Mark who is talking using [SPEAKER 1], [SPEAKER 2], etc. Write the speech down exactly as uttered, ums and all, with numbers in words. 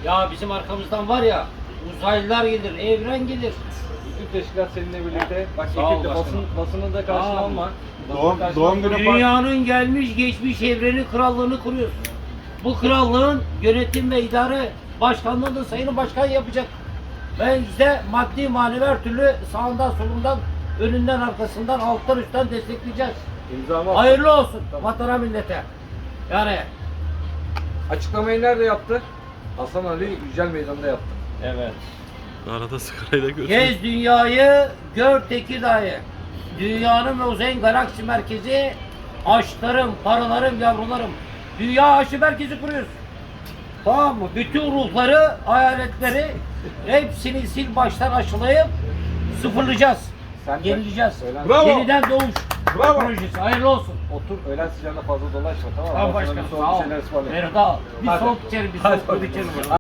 [SPEAKER 1] Ya bizim arkamızdan var ya uzaylılar gelir, evren gelir.
[SPEAKER 2] Bütün teşkilat seninle birlikte. Bak
[SPEAKER 1] Sağ ol
[SPEAKER 2] ekip de basın,
[SPEAKER 1] başkanım.
[SPEAKER 2] basını da karşına
[SPEAKER 1] Sağ ol.
[SPEAKER 2] alma. Basını
[SPEAKER 3] Doğum-
[SPEAKER 2] karşına
[SPEAKER 3] doğum
[SPEAKER 2] alma.
[SPEAKER 3] günü-
[SPEAKER 1] Dünyanın gelmiş geçmiş evreni krallığını kuruyorsun. Bu krallığın yönetim ve idare başkanlığını da sayın başkan yapacak. Ben size maddi manevi her türlü sağından solundan önünden arkasından alttan üstten destekleyeceğiz.
[SPEAKER 2] İmzamı at.
[SPEAKER 1] Hayırlı olsun vatana millete. Yani
[SPEAKER 2] Açıklamayı nerede yaptı? Hasan Ali Yücel Meydanı'nda yaptı.
[SPEAKER 1] evet.
[SPEAKER 4] Arada sigarayı da görsün.
[SPEAKER 1] Gez dünyayı, gör Tekirdağ'ı. Dünyanın ve uzayın galaksi merkezi, aşklarım, paralarım, yavrularım. Dünya aşı merkezi kuruyoruz. Tamam mı? Bütün ruhları, hayaletleri hepsini sil baştan aşılayıp sıfırlayacağız.
[SPEAKER 2] Sen de-
[SPEAKER 1] Yenileceğiz.
[SPEAKER 2] Öğlen-
[SPEAKER 3] Bravo.
[SPEAKER 1] Yeniden doğuş
[SPEAKER 3] Bravo.
[SPEAKER 1] projesi. Hayırlı olsun.
[SPEAKER 2] Otur öğlen sıcağında fazla dolaşma tamam mı?
[SPEAKER 1] Tamam
[SPEAKER 2] Ben sana
[SPEAKER 1] başkanım.
[SPEAKER 2] bir
[SPEAKER 1] Sağ
[SPEAKER 2] soğuk
[SPEAKER 1] ol.
[SPEAKER 2] bir şeyler ısmarlayayım.
[SPEAKER 1] Merhaba. Bir
[SPEAKER 2] Hadi.
[SPEAKER 1] soğuk içerim, bir
[SPEAKER 2] Hadi
[SPEAKER 1] soğuk
[SPEAKER 2] bakalım.
[SPEAKER 1] içerim.